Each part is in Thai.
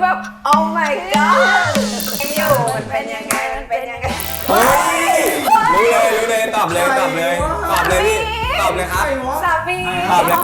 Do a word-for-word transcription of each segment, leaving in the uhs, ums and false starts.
แบบ oh my god อยู่มันเป็นยังไงมันเป็นยังไงเฮ้ยรู้เลยรู้เลยตอบเลยตอบเลยตอบเลยพี่ตอบเลยครับสามีตอบเลย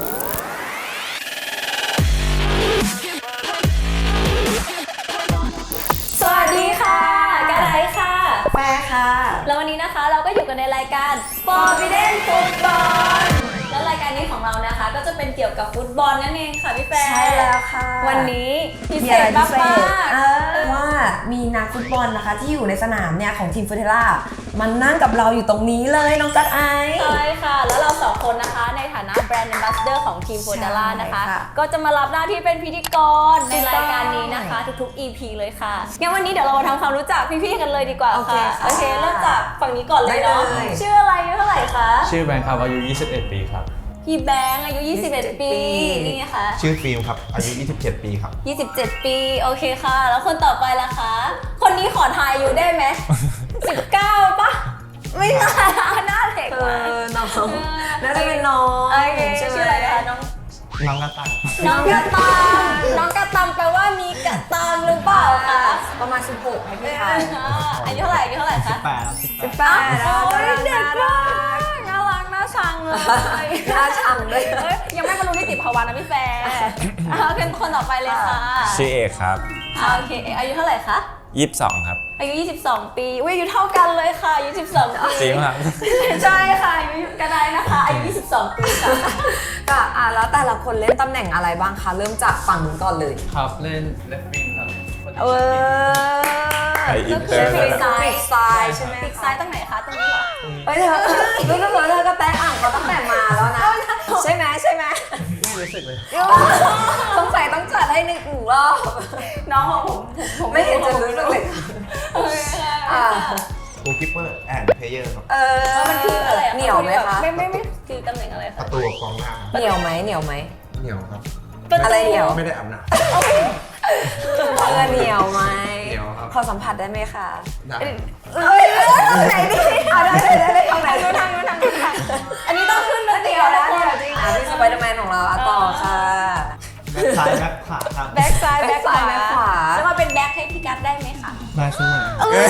สวัสดีค่ะกระไรค่ะแฟค่ะแล้ววันนี้นะคะเราก็อยู่กันในรายการ Forbidden Football แล้วรายการนี้ของเรานะคะก็จะเป็นเกี่ยวกับฟุตบอลนั่นเองค่ะพี่แฟร์ใช่แล้วค่ะวันนี้พิเศษมากๆว่ามีนักฟุตบอลนะคะที่อยู่ในสนามเนี่ยของทีมฟูเทล่ามันนั่งกับเราอยู่ตรงนี้เลยน้องกัดไอใช่ค่ะแล้วเราสองคนนะคะในฐานะแบรนด์แอมบาสเดอร์ของทีมฟูเทล่านะคะก็จะมารับหน้าที่เป็นพิธีกรในรายการนี้นะคะทุกๆ อี พี เลยค่ะงั้นวันนี้เดี๋ยวเรามาทำความรู้จักพี่ๆกันเลยดีกว่าค่ะโอเคเริ่มจากฝั่งนี้ก่อนเลยเนาะชื่ออะไรอายุเท่าไหร่คะชื่อแบงค์ครับอายุยี่สิบเอ็ดปีครับพี่แบงค์อายุยี่สิบเอ็ดปีนี่ไงคะชื่อฟิล์มครับอายุยี่สิบเจ็ดปีครับยี่สิบเจ็ดปีโอเคค่ะแล้วคนต่อไปล่ะคะคนนี้ขอทายอายุได้ไหมสิบเก้าปะไม่น่าหน้าเด็กว่ะน้องน่าจะเป็นน้องโอเคชื่ออะไรคะน้องน้องกระตังน้องกระตังน้องกระตังแปลว่ามีกระตังหรือเปล่าคะประมาณสิบหกให้พี่ทายอายุเท่าไหร่อายุเท่าไหร่คะสิบแปดสิบแปดโอ้ยเด็กมากน่ารักน่าชังเลยน่าชังเลยยังไม่บรรลุนิติภาวะนะพี่แฟร์เอาเป็นคนต่อไปเลยค่ะชื่อเอกครับโอเคอายุเท่าไหร่คะยี่สิบสองครับอายุยี่สิบสองปีอุ้ยอายุเท่ากันเลยค่ะอายุสิบสองปีจริงครับใช่ค่ะอายุกันได้นะคะอายุยี่สิบสองปีค่ะก็อ่ะแล้วแต่ละคนเล่นตำแหน่งอะไรบ้างคะเริ่มจากฝั่งนู้นก่อนเลยครับเล่นเลฟวิงครับเออไออินเตอร์ปีกซ้ายปีกซ้ายใช่ไหมปีกซ้ายตรงไหนคะตรงนี้เหรอเฮ้ยเธอรู้สึกว่าเธอก็แตะอ่างเขาตั้งแต่มาแล้วนะใช่ไหมใช่ไหมไม่รู้สึกเลยสงสัยต้องจัดให้หนึ่งรอบน้องของผมผมไม่เห็นจะรู้สึกเลยโกคิปเปอร์แอนด์เพลเยอร์ครับเออมันคืออะไรเหนียวไหมคะไม่ไม่ไม่คือตำแหน่งอะไรคะประตูกองหน้าเหนียวไหมเหนียวไหมเหนียวครับอะไรเหนียวไม่ได้อาบน้ำเออเหนียวไหมเหนียวครับขอสัมผัสได้ไหมคะได้เอ้ยไหนดิเอาได้ได้ได้ทางไหนทางนู้นทางนู้นทางอันนี้ต้องขึ้นเลยเดียวนะเดียวจริงอ่ะพี่สไปเดอร์แมนของเราต่อค่ะแบ็คซ้ายแบ็คขวาครับแบ็คซ้ายแบ็คขวาขวาแล้วมาเป็นแบ็คให้พี่กัฟได้ไหมคะได้ช่วย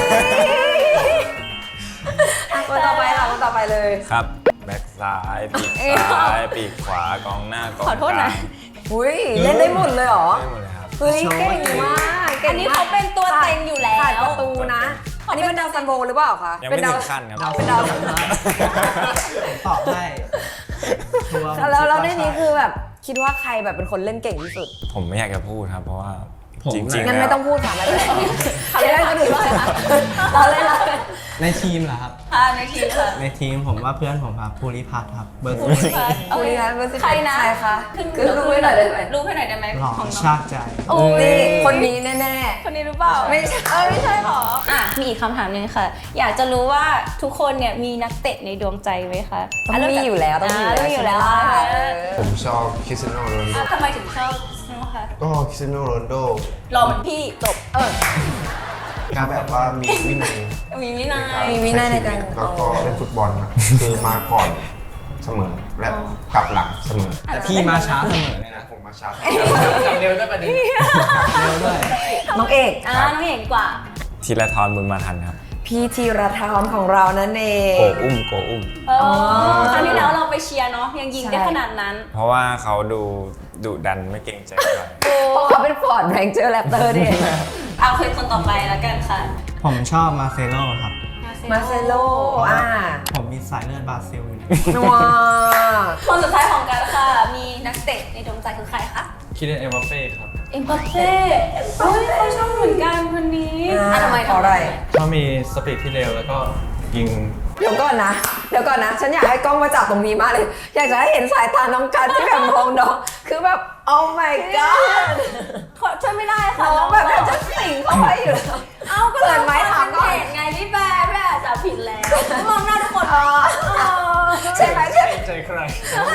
คนต่อไปค่ะคนต่อไปเลยครับแบ็คซ้ายปีกซ้ายปีกขวากองหน้ากองกลางขอโทษนะอุ้ยเล่นได้หมดเลยเหรอได้หมดเลยครับเฮ้ยเก่งมากอันนี้เขาเป็นตัวเต็งอยู่แล้วขาดประตูนะอันนี้เป็นดาวซันโบหรือเปล่าคะยังไม่ถึงขั้นครับเป็นดาวตอบได้แล้วแล้วในนี้คือแบบคิดว่าใครแบบเป็นคนเล่นเก่งที่สุดผมไม่อยากจะพูดครับเพราะว่าจริงๆงั้นไม่ต้องพูดค่ะไม่เป็นไรเขาเล่นคนอื่นเลยค่ะเราเล่นเราในทีมเหรอครับในทีมค่ะในทีมผมว่าเพื่อนผมครับภูริพัฒน์ครับเบอร์สิบภูริพัฒน์เบอร์สิบใครนะใครคะคือรู้ให้หน่อยได้ไหมรู้ให้หน่อยได้ไหมของชาติใจโอ้ยคนนี้แน่ๆคนนี้รู้เปล่าไม่ใช่เออไม่ใช่หรออ่ะมีอีกคำถามนึงค่ะอยากจะรู้ว่าทุกคนเนี่ยมีนักเตะในดวงใจไหมคะต้องมีอยู่แล้วต้องมีอยู่แล้วผมชอบคริสเตียโนโรนัลโดทำไมถึงชอบคะก็คริสเตียโนโรนัลโดรอเหมือนพี่จบเออการแบบว่ามีวินัยมีวินัยมีวินัยในการแล้วก็เล่นฟุตบอลนะคือมาก่อนเสมอและกลับหลังเสมอแต่พี่มาช้าเสมอเลยนะผมมาช้ากลับเร็วด้วยประเด็นเร็วด้วยน้องเอกอ่าน้องเอกกว่าธีรทรบุญมาทันครับพี่ธีรทรของเรานั่นเองโกอุ้มโกอุ้มอ๋อครั้งที่แล้วเราไปเชียร์เนาะยังยิงได้ขนาดนั้นเพราะว่าเขาดูดุดันไม่เกรงใจใครเพราะเขาเป็นฟอร์ดแรงเจอร์แรปเตอร์ดิเอาคุยคนต่อไปแล้วกันค่ะผมชอบมาเซโลครับมาเซโลอ่าผมมีสายเลือดบราซิลอยู่ว้าคนสุดท้ายของกันค่ะมีนักเตะในดวงใจคือใครคะคิดเอ็มบัปเป้ครับเอ็มบัปเป้โอ้ยเขาชอบเหมือนกันคนนี้อ่ะทำไมเพราะอะไรเขามีสปีดที่เร็วแล้วก็ยิงเดี๋ยวก่อนนะเดี๋ยวก่อนนะฉันอยากให้กล้องมาจับตรงนี้มากเลยอยากจะให้เห็นสายตาน้องกันที่แบบมองน้องคือแบบ oh my god ช่วยไม่ได้ค่ะน้องแบบจะสิงเข้าไปอยู่แล้วเอ้าก็เกิดไม้ถามก่อนไงพี่แบร์พี่แบร์จับผิดแล้วมองหน้าทุกคนใช่ไหมใช่ใจใคร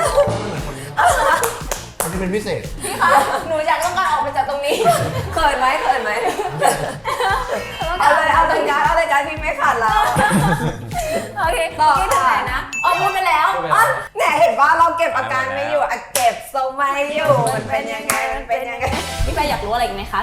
คนที่เป็นพิเศษพี่คะหนูอยากต้องการออกไปจากตรงนี้เขินไหมเขินไหมเอาเลยเอาเลยการเอาเลยการพี่ไม่ขาดแล้วโอเคต่อค่ะนะอ๋อพูดไปแล้วเนี่ยเห็นว่าเราเก็บอาการไม่อยู่เก็บทรงไม่อยู่มันเป็นยังไงมันเป็นยังไงพี่แปอยากรู้อะไรอีกไหมคะ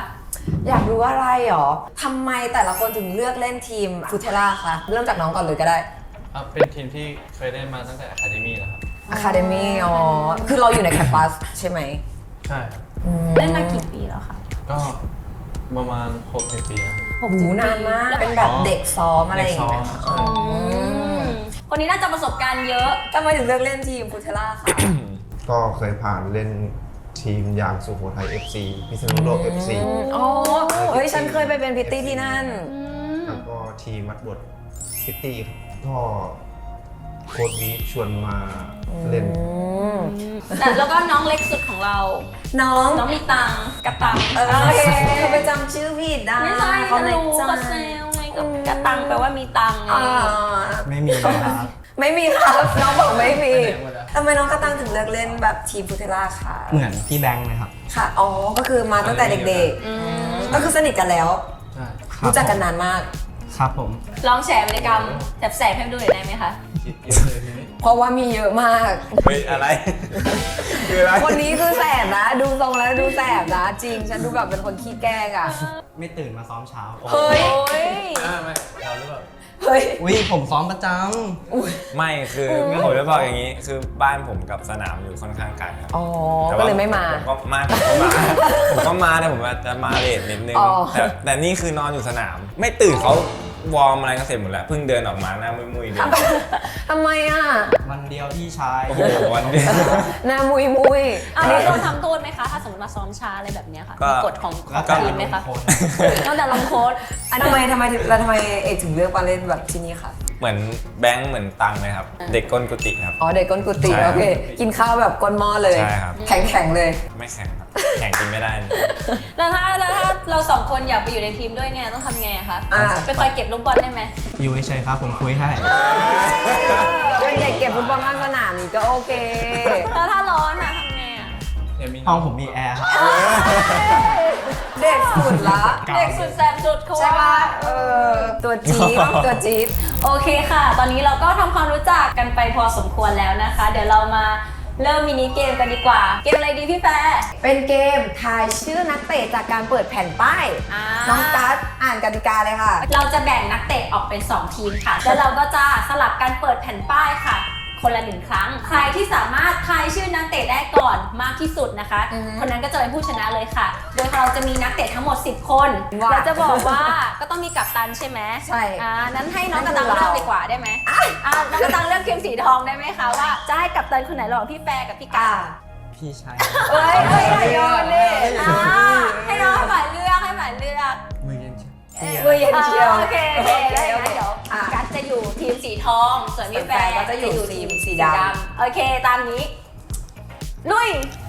อยากรู้อะไรหรอทำไมแต่ละคนถึงเลือกเล่นทีมฟูเทล่าคะเริ่มจากน้องก่อนเลยก็ได้อ่ะเป็นทีมที่เคยเล่นมาตั้งแต่ Academy แล้วครับ Academy อ๋อ คือเราอยู่ในแคมปัสใช่ไหมใช่ครับเล่นมากี่ปีแล้วคะก็ประมาณหกปีแล้วครับโอ้โหนานมาก เป็นแบบเด็กซ้อมอะไรอย่างเงี้ยเด็กซ้อมอืมคนนี้น่าจะประสบการณ์เยอะทำไมถึงเลือกเล่นทีมฟูเทล่าคะก็เคยผ่านเล่นทีมอย่างสุโขทัย เอฟ ซี พิษณุโลก เอฟ ซีอ๋อ เฮ้ย ฉันเคยไปเป็นพิตตี้ที่นั่นแล้วก็ทีมมัดบทซิตี้ก็โค้ชวีชวนมาเล่นแต่แล้วก็น้องเล็กสุดของเราน้องน้องมีตังกระตังเออโอเคไปจำชื่อผิดนะไม่ใช่เขาเขาเล็กรู้จัเขางเซลไงกับกระตังแปลว่ามีตังไงอ่าไม่มีครับไม่มีครับน้องบอกไม่มีไปไหนหมดอะทำไมน้องกระตังถึงเลือกเล่นแบบทีมฟูเทล่าคะเหมือนพี่แบงค์เลยครับค่ะ อ๋อ ก็คือมาตั้งแต่เด็กๆ ก็คือสนิทกันแล้วใช่รู้จักกันนานมากครับผมลองแชร์วิรกรรมแสบๆให้ดูหน่อยได้ไหมคะคิดเยอะเลยทีนี้เพราะว่ามีเยอะมากเฮ้ยอะไร คืออะไรคนนี้คือแสบนะ ดูทรงแล้วดูแสบนะ จริง ฉันดูแบบเป็นคนขี้แกล้งอ่ะไม่ตื่นมาซ้อมเช้าเฮ้ยอ่าไม่เราหรือเปล่าเฮ้ยอุ้ยผมซ้อมประจไม่คือผมจะบอกอย่างนี้ คือบ้านผมกับสนามอยู่ค่อนข้างไกลครับอ๋อแต่ก็ว่าเลยไม่มาผมก็มาผมก็มา ผมก็มาแต่ผมอาจจะมาเลทนิดนึงอ๋อแต่แต่นี่คือนอนอยู่สนาม ไม่ตื่นเขาวอร์มอะไรกันเสร็จหมดแล้ว เพิ่งเดินออกมาหน้ามุยๆเลยทำไมอ่ะำวันเดียวพี่ชายโอ้โหวันเดียวหน้ามุยมุยอันนี้โดนทำโทษไหมคะ ถ้าสมมติมาซ้อมช้าอะไรแบบเนี้ยค่ะก็มีกฎของของก็ทีมไหมคะคนนอกจากลงโค้ดอันทำไมทำไมถึงแล้วทำไมเอกถึงเลือกมาเล่นแบบที่นี่คะเหมือนแบงค์เหมือนตังเลยครับ เด็กก้นกุฏิครับอ๋อ เด็กก้นกุฏิใช่โอเค กินข้าวแบบก้นหม้อเลยใช่ครับแข็งแข็งๆเลยไม่แข่งครับ แข่งกินไม่ได้แล้วถ้าแล้วถ้าเราสองคนอยากไปอยู่ในทีมด้วยเนี่ยต้องทำไงอะคะอ่าไปคอยเก็บลูกบอลได้ไหมอยู่เฉยๆครับผมคุยให้เป็นเด็กเก็บฟุตบอลข้างสนามนี่ก็โอเคแล้วถ้าร้อนอะทำไงอะห้องผมมีแอร์ครับเด็กสุดละเด็กสุดแสบสุดเขาใช่ว่าปะเออ ตัวจี๊ดตัวจี๊ดโอเคค่ะ ตอนนี้เราก็ทำความรู้จักกันไปพอสมควรแล้วนะคะ เดี๋ยวเรามาเริ่มมินิเกมกันดีกว่า เกมอะไรดีพี่แฟร์เป็นเกมทายชื่อนักเตะจากการเปิดแผ่นป้ายอ่าน้องกัสอ่านกติกาเลยค่ะเราจะแบ่งนักเตะออกเป็นสองทีมค่ะ แล้วเราก็จะสลับกันเปิดแผ่นป้ายค่ะ คนละหนึ่งครั้ง ใครที่สามารถทายชื่อนักเตะได้ก่อนมากที่สุดนะคะอือฮึคนนั้นก็จะเป็นผู้ชนะเลยค่ะ โดยเราจะมีนักเตะทั้งหมดสิบคนว้าเราจะบอกว่าก็ต้องมีกัปตันใช่ไหมใช่อ่านั้นให้น้องกระตังนั่นคือเลือกเราดีกว่าได้ไหมอ่าน้องกระตังเลือกทีมสีทองได้ไหมคะว่าจะให้กัปตันคนไหนระหว่างพี่แฟร์กับพี่กาอ่าพี่ชายเอ้ยเอ้ยอย่าโยนดิอ่าให้น้องให้หมายเลือกให้หมายเลือกมือเย็นเชียวมือเย็นเชียวโอเคโอเคได้โองั้นเคเดี๋ยวอ่ะกัสจะอยู่ทีมสีทอง ส่วนพี่แฟร์ส่วนแฟร์ก็จะอยู่ทีมสีดำโอเคตามนี้ ลุย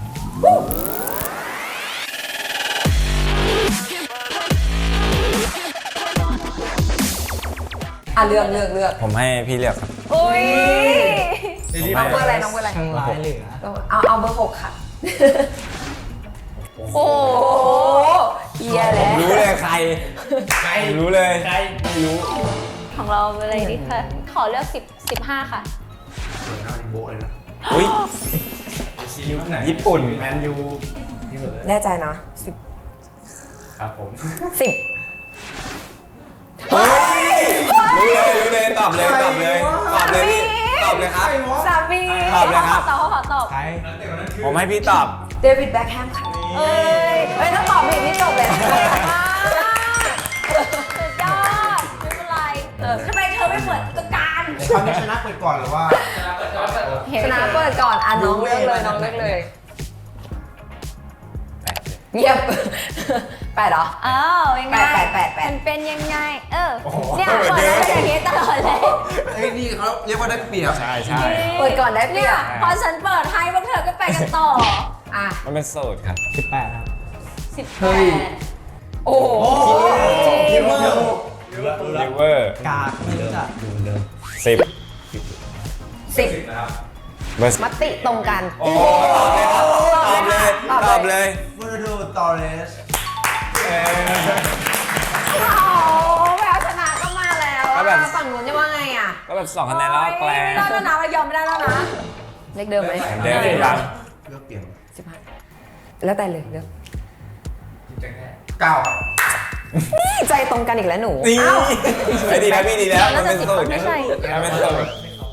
อ่ะเลือกเลือกเลือกผมให้พี่เลือกครับอุ้ยน้องเบอร์อะไรน้องเบอร์อะไรช่างร้ายเหลือเอาเอาเบอร์หกค่ะโอ้โหโอ้เฮียแล้วรู้เลยใคร ใคร รู้เลย ใคร ไม่รู้ของเราอะไรดีคะขอเลือกสิบ สิบห้าค่ะสวยหน้าดิโบเลยนะอุ้ยยุคไหนญี่ปุ่นแมนยูที่สุดเลยแน่ใจนะสิบครับผมสิบเฮ้ย รู้เลย รู้เลย ตอบเลย ตอบเลย ตอบเลยพี่ ตอบเลยครับสามีตอบเลยครับตอบเขาขอตอบใครผมให้พี่ตอบเดวิดแบ็คแฮมค่ะเอ้ยเฮ้ยถ้าตอบผิดนี่จบเลยสุดยอดไม่เป็นไรทำไมเธอไม่เปิดตัวการคราวนี้ชนะเปิดก่อนหรือว่าชนะเปิดก่อนอ่ะน้องเลือกเลยน้องเลือกเลย เงียบ แปดเหรออ้าวยังไงแปดแปดแปดมันเป็นยังไง เออโอ้โหเนี่ยเปิดแล้วเป็นอย่างนี้ตลอดเลยเอ้ยนี่เขาเรียกว่าได้เปรียบใช่ใช่เปิดก่อนได้เปรีเนี่ย ยบพอฉันเปิดให้พวกเธอก็ไปกันต่ออ่ะมันเป็นโสดครับสิบแปดครับสิบแปเฮ้ยดโอ้โหทีมเมอร์ลิเวอร์กากไม่รู้จักสิบสิบเบอร์มติตรงกันโอ้ตอบเลยครับตอบเลย ตอบเลยเฟอร์โดตอเรสเออโอ้แววชนะก็มาแล้วก็แบบฝั่งนู้นจะว่าไงอ่ะก็แบบสองคะแนนแล้วแกลไม่ได้แล้วนะเรายอมไม่ได้แล้วนะเลขเดิมไหมเดิมยังเลือกเปลี่ยนสิบห้าแล้วแต่เลยเลือกเก้าครับนี่ใจตรงกันอีกแล้วหนูนี่อ้าวไม่ดีแล้วพี่ดีแล้วน่าจะสิบสูคนไม่ใช่มันเป็นสูตร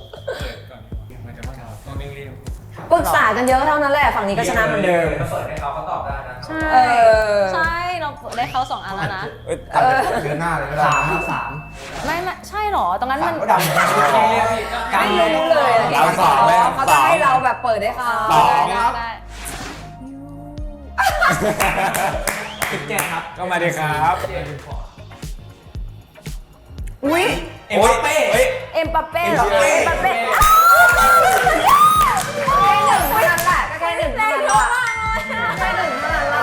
ปรึกษากันเยอะเท่านั้นแหละฝั่งนี้ก็ชนะเหมือนเดิมเปิดให้เขาเขาตอบได้นะใช่เออใช่เราได้เขาสองอันแล้วนะเอ้ยเออเดือนหน้าเลยก็ได้สามสามไม่ไม่ใช่หรอตรงนั้นมันก็ดำไม่รู้เลยอะเราสองไหมเขาสจะองให้เราแบบเปิดให้เขาสองได้ได้สิบเจ็ดครับก็มาดีครับอุ้ยเอ็มบัปเป้เฮ้ยเอ็มปัปเป้เหรอเอ็เอ็มมบัปัปปเป้เป้แค่หนึ่งเท่านั้นแหละก็แค่หนึ่งเท่านั้นแหละแค่หนึ่งเท่านั้นแหละ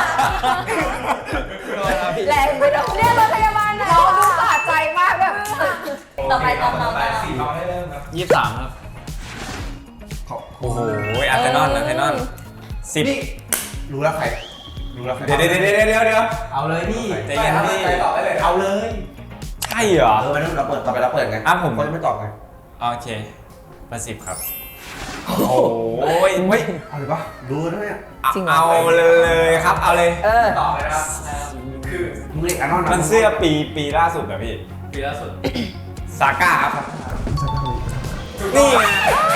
แรงไปหน่อยเรียกรถพยาบาลหน่อยน้องดูสะใจมากแบบต่อไปต่อต่อต่อสี่เราได้เริ่มครับยี่สิบสามครับโอ้โหอาร์เซนอลอาร์เซนอลสิบนี่รู้แล้วใครรู้แล้วใครเดี๋ยวเดี๋ยวเดี๋ยวเดี๋ยวเดี๋ยวเอาเลยพี่ใจเย็นพี่ไปตอบได้เลยเอาเลยใช่เหรอเออวันนั้นเราเปิดต่อไปเราเปิดไงอ่ะผมก็จะไม่ตอบไงโอเคประสิบครับ โอ้ยเฮ้ยเอาเลยปะรู้นะเนี่ยเอาเลยครับ เอาเลยเออตอบเลยนะครับ คือมึงเรียกอันนอนมันเสื้อปีปีล่าสุดนะพี่ปีล่าสุดซาก้าครับ นี่ไง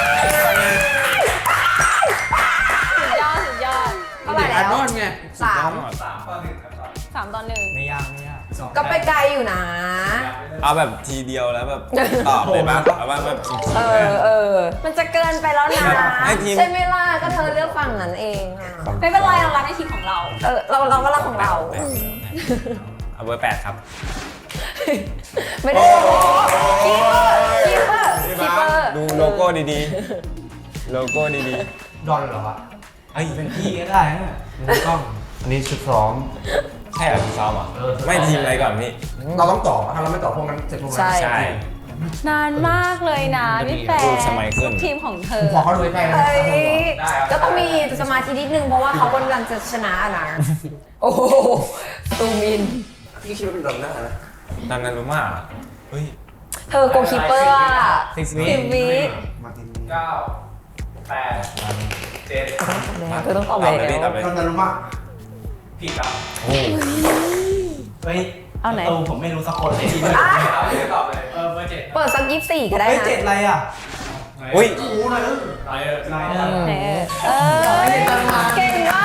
สุดยอดสุดยอดเท่าไหร่แล้วอันนอนไงสามสามต่อหนึ่งครับสามต่อหนึ่งไม่ยากไม่ยากก็ไปไกลอยู่นะเอาแบบทีเดียวแล้วแบบตอบเลยปะเอาว่าแบบเออเออ มันจะเกินไปแล้วนะให้ทีมใช่ไหมล่ะก็เธอเลือกฝั่งนั้นเองอะไม่เป็นไรเรารักในทีมของเราเออเราเราก็รักของเราเอาเบอร์แปดครับไม่ได้คีเปอร์คีเปอร์พี่คีบ้าเปอสร์ดูโลโก้ดีๆ โลโก้ดีดอนเหรอวะๆเฮ้ยเป็นพี่ก็ได้นะมือกล้องอันนี้ชุดซ้อมใช่เหรอพี่ซ้อมเหรอไม่ทีมอะไรก่อนพี่เราต้องตอบอะถ้าเราไม่ตอบพวกนั้นเสร็จพวกนั้นใช่ใช่นานมากเลยนะพี่แปรูปสมัยขึ้นทีมของเธผอมขอเขาดูใกล้ๆนะเฮ้ยก็ต้องมีสมาธินิดนึงเพราะว่าเขากำลังจะชนะนะ โอ้โหตูมินพี่คิดว่าเป็นดอนหน้านะตอนนั้นรู้มาเฮ้ยเธอโกคีเปอร์อะสิบสิวิบวิมาร์ตินเก้าแปดเจ็ดเธอต้องตอบตอบเลยแล้พี่ตอบวเลยดอนนารุมะผิดครับโอ้โหเฮ้ยเอาไหนตูผมไม่รู้สักคนเลยเอาเลยตอบเลย เออเบอร์เจ็ดเปิดสักยี่สี่ก็ได้เฮ้ยนะเจ็ดอะไรอ่ะอุ้ยรู้เลยไปเออไรเอนะอเออเก่งมาก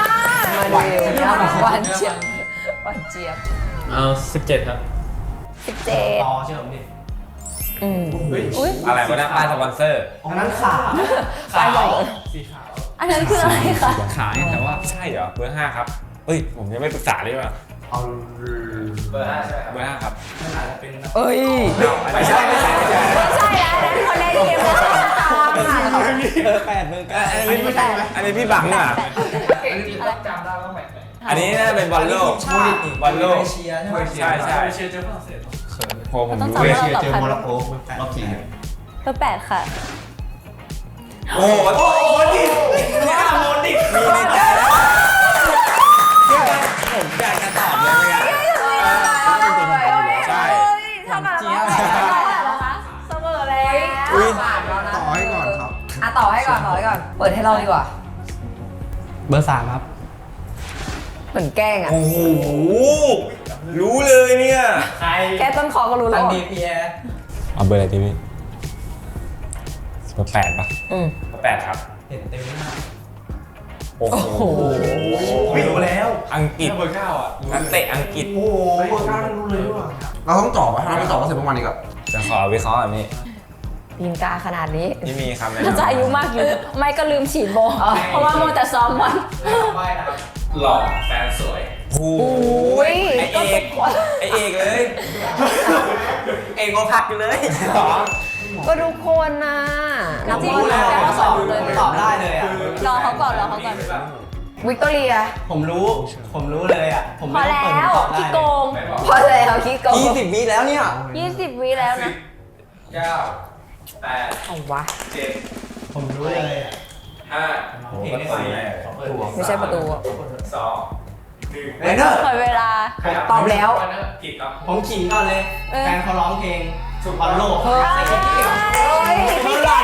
มาดูหวานเจี๊ยบหวานเจี๊ยบเอาสิบเจ็ดครับสิบเจ็ดต่อเชื่อผมดิอืมอุ้ยอะไรวะเนี่ยป้ายสปอนเซอร์อันนั้นขาไปใหญ่สีขาวอันนั้นคืออะไรคะขายแต่ว่าใช่เหรอเบอร์ห้าครับเฮ้ยผมยังไม่ปรึกษาเลยว่ะเอาเบอร์ห้าใช่ไหมครับเบอร์ห้าครับมันอาจจะเป็นนักเอ้ยไม่ใช่ไม่ใช่ไม่ใช่ไม่ใช่แล้วนะคนในทีมเราตามเบอร์แปดเบอร์เก้าอันนี้ไม่ใช่อันนี้พี่บังอ่ะเก่งจริงต้องจำได้ว่าแมตช์ไหนอันนี้น่าจะเป็นบอลโลกบอลโลกเอเชียใช่ไหมใช่ใช่เชียร์เจอฝรั่งเศสโหผมต้องรู้จำเลยว่าเราตอบเจอใครโมร็อกโกรอบสี่เบอร์แปดค่ะโอ้โหโอ้โหดิเนี่ยโมดิมีในใจแล้วเนี่ยผมอยากจะตอบเลยไงใช่เท่ากันแล้วเสมอแล้วอุ๊ยผ่านแล้วนะต่อให้ก่อนครับอ่ะต่อให้ก่อนต่อให้ก่อน เปิดให้เราดีกว่าเบอร์สามครับเหมือนแกล้งอ่ะโอ้โหรู้เลยเนี่ยใครแค่ต้นคอก็รู้แล้ทางวดีพีแอเอาเบอร์อะไรดีพี่เบอร์แปดปะอืมเบอร์แปดครับเห็นเต็มหน้าโอ้โหไม่รู้แล้วอังกฤษเบอร์เก้าอ่ะนักเตะอังกฤษโอ้โหเบอร์เก้ารู้เลยว่ะเราต้องตอบว่าถ้าเราไม่ตอบก็เสร็จพวกมันอีกอะจะขอวิเคราะห์แบบนี้ปีนกาขนาดนี้ที่มีคำแนะน่าจะนำอายุมากอยู่ ไม่ก็ลืมฉีดโบเพราะว่าโมวแต่ซ้อมบอลใบนะครับหล่อแฟนสวยโอ้โหอุ้ยไอเอกไอเอกเลยเองก็พักอยู่เลยหรอก็ทุกคนนะนักจริงบอลแล้นะวก็สอบเลยตอบได้เลยอ่ะรอเขาก่อนรอเขาก่อนวิกตอเรียผมรู้ ผมรู้เลยอ่ะ ผมพอไม่ต้องแล้เปิดวตอบได้ขี้โกงไม่บอกพอแล้วคิดโกงยี่สิบวิแล้วเนี่ยยี่สิบวิแล้วนะเก้าแปดเอาวะเจ็ดผมรู้เลยอ่ะห้าเพลงได้ฟังไหมขอเปิดตัวไม่ใช่ประตูอะสองหนึ่งเรนเนอร์หมดเวลาตอบแล้วผิดครับผมขิงก่อนเลยเออแฟนเขาร้องเพลงสุบอลโลกเฮ้ยใส่ชุดเขียวเฮ้ยพี่แก้ว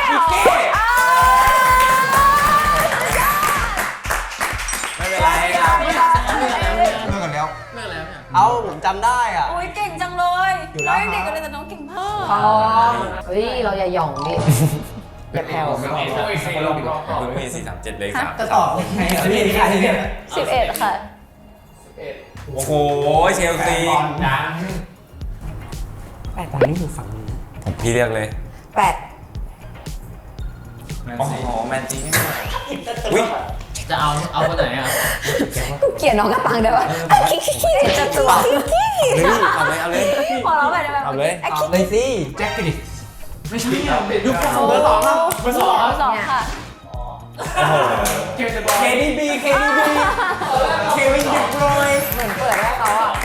ไม่เป็นไรเลิกกันแล้วเลิกแล้วเนี่ยเอ้าผมจำได้อ่ะอุ้ยเก่งจังเลยอยู่แล้น้วองยังเด็กกันเลยแต่น้องเก่งมากพร้อมเฮ้ย เราอย่าหย่องดิ อย่าแผ่วเพิ่งมีสี่สามเจ็ดเลยครับจะตอบยังไงอ่ะพี่ใครเนี่ยสิบเอ็ดค่ะโอ้โหเชลซีแปดตอนนี้อยู่ฝั่งนี้ผมพี่เรียกเลยแปดโอ้โหแมนซีนี่อุ้ยจะเอาเอาคนไหนอ่ะกูเกลียดน้องกระตังเดี๋ยวขี้ขี้จะตัวขี้ขี้เฮ้ยเอาเลยเอาเลยขอร้องหน่อยได้ไหมเอาเลยตอบเลยสิแจ็คฟิลิปไม่ใช่อ่ะยุคเบอร์สองครับเบอร์สองสองค่ะโอ้โหเคดีบีเคดีบีเควินดิบรอยเหมือนเปิดให้เขาอ่ะ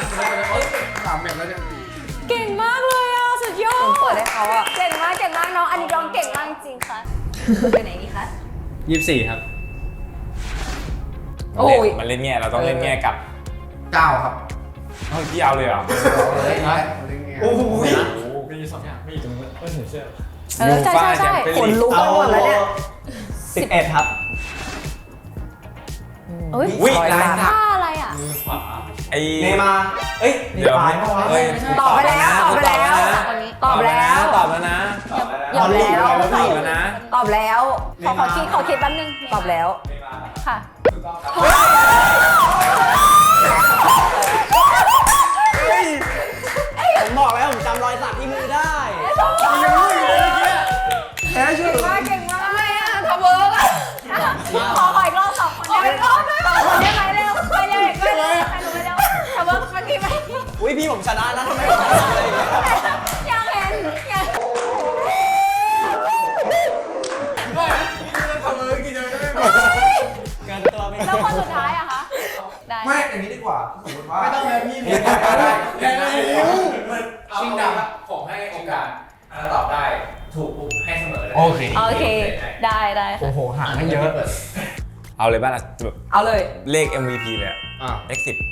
เก่งมากเลยอ่ะ สุดยอเหมือนเปิดดให้เขาอ่ะเก่งมากเก่งมากน้อง อันนี้น้องเก่งมากจริงค่ะไปไหนดีคะยี่สิบสี่ครับโอ้ยมันเล่นแง่เราต้องเล่นแง่กับเก้าครับเฮ้ยพี่เอาเลยเหรอเลยนะโอ้โหมีสองอย่างมีตรงนี้ก็ถึงเสื้อเออใช่ใช่ใช่ขนลุกไปหมดแล้วเนี่ยสิบเอ็ดครับอุ้ยอุ้ยร้อยลายล้านสักท่าอะไรอ่ะมือขวาไอ้เนมาร์เอ้ยเดี๋ยวปลายเมื่อวานเฮ้ยตอบไปแล้ว ตอบไปแล้ว ตอบแล้วตอบแล้วนะตอบแล้วตอบแล้วนะตอบแล้วขอขอคิดขอคิดแป๊บนึงตอบแล้วค่ะผมบอกแล้วผมจำรอยสักที่มือได้แพ้ชื่อมากเก่งมากทำไมอ่ะทำเวิร์กอ่ะขอขออีกรอบสองคนได้ไหมสองคนได้ไหมเร็วไปเร็วอีกไปเร็วไปเร็วไปเร็วทำเวิร์กเมื่อกี้ไหมอุ้ยพี่ผมชนะนะทำไมผมชนะอะไรอย่างเงี้ยยังเห็นยังเกินตัวไม่แล้วคนสุดท้ายอะคะได้ไม่อย่างนี้ดีกว่าสมมติว่าไม่ต้องเลยพี่ชิงดำผมให้โอกาสถ้าตอบได้ถูกปุ๊บให้เสมอเลยโอเคโอเคได้ได้ค่ะโอ้โหห่างไม่เยอะเอาเลยบ้านละแบบเอาเลยเลข เอ็ม วี พี เลยอะอ่ะเลขสิบ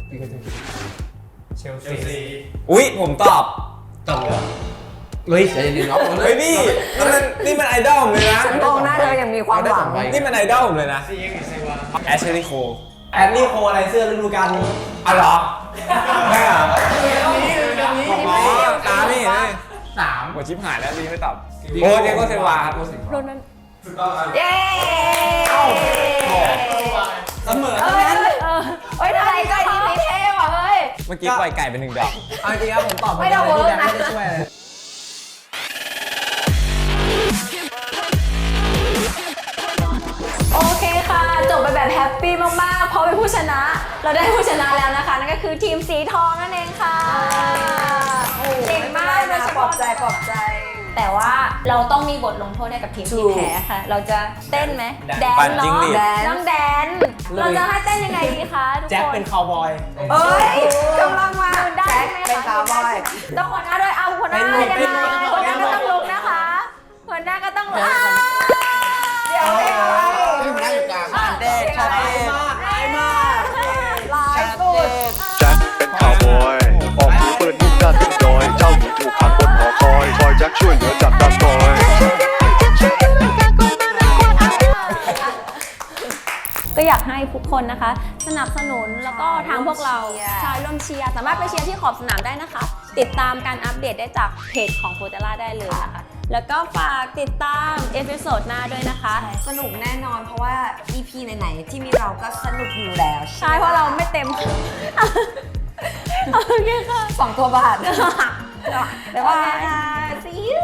เชลเชซีลซีอุ้ยผมตอบตบเลยเฮ้ยใจเย็นๆเนาะเฮ้ยพี่นี่มันนี่มันไอดอลผมเลยนะฉันมองหน้าเธอยังมีความหวังนี่มันไอดอลผมเลยนะซียังไงเซวาแอชลีย์โคแอนนี่โคอะไรเสื้อฤดูกาลนี้อ๋อเหรอไม่เหรอไม่อ๋อเกี่ยวตาไม่เห็นเลยสามหมดชิปหายแล้วดีไม่ตอบโอ้เดโกเซวาครับโรนันถูกต้องครับเย้เสมอเอ้ทั้งนั้นยเฮ้ยทำไมใจดีมีเท่ว่ะเฮ้ยเมื่อกี้ปล่อยไก่ไปหนึ่งดอกเอาจริงครับผมตอบไม่ต้องเวิร์กนะไม่ได้ช่วยเลยโอเคค่ะจบไปแบบแฮปปี้มากๆเพราะเป็นผู้ชนะ เราได้ผู้ชนะแล้วนะคะนั่นก็คือทีมสีทองนั่นเองค่ะเก่งมากโดยเฉปลอพาะบใจปลอบใจแต่ว่าเราต้องมีบทลงโทษให้กับทีมถูที่กแพ้ค่ะ เราจะเต้นไหมแดนปั่นเนาะจิ้งหรีดแดนน้องแดน เราจะให้เต้นยังไงดีคะทุกคนแจ็คเป็นคาวบอยเอ้ยกำลังมาได้แจ็คไหมเป็นคะคาวบอยต้องหัวหน้าด้วยเอาหัวหน้าเป็นยังเป็นไงเป็นหัวหน้าก็ต้องลุกนะคะหัวหน้าก็ต้องลุกเดี๋ยวให้ใครไม่ได้อยู่กลางเด็กร้ายมากร้ายมากลายสุดแจ็คเป็นข่าวบอย ออกมือเปิดนุ่งหน้าติดดอย เจ้าหญิงถูกขังบนหอคอย คอยแจ็คช่วยเหลือจากดักคอยก็อยากให้ทุกคนนะคะ สนับสนุนแล้วก็ทางพวกเราชายร่วมเชียร์สามารถไปเชียร์ที่ขอบสนามได้นะคะ ติดตามการอัปเดตได้จากเพจของโฟเตล่าได้เลยนะคะ แล้วก็ฝากติดตามเอพิโซดหน้าด้วยนะคะสนุกแน่นอนเพราะว่า อี พี ไหนๆที่มีเราก็สนุกอยู่แล้วใช่เพราะเราไม่เต็ม โอเคค่ะสองตัวบาทบ๊ายบาย See you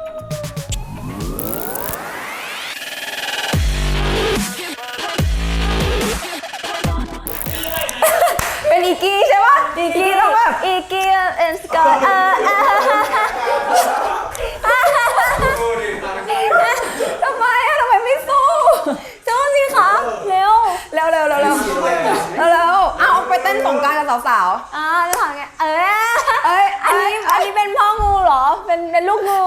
เป็นอีกี้ใช่ปะอีกี้ต้องแบบอีเกียเอ็นสกอตเออเออทำไมอะทำไมไม่สู้สู้สิคะเร็วเร็วเร็วเร็วเร็วเร็วเร็วเอาไปเต้นสงกรารกับสาวอ่าจะถามไงเออๆ เอ้ยอันนี้อันนี้เป็นพ่องูเหรอ เป็นเป็นลูกงู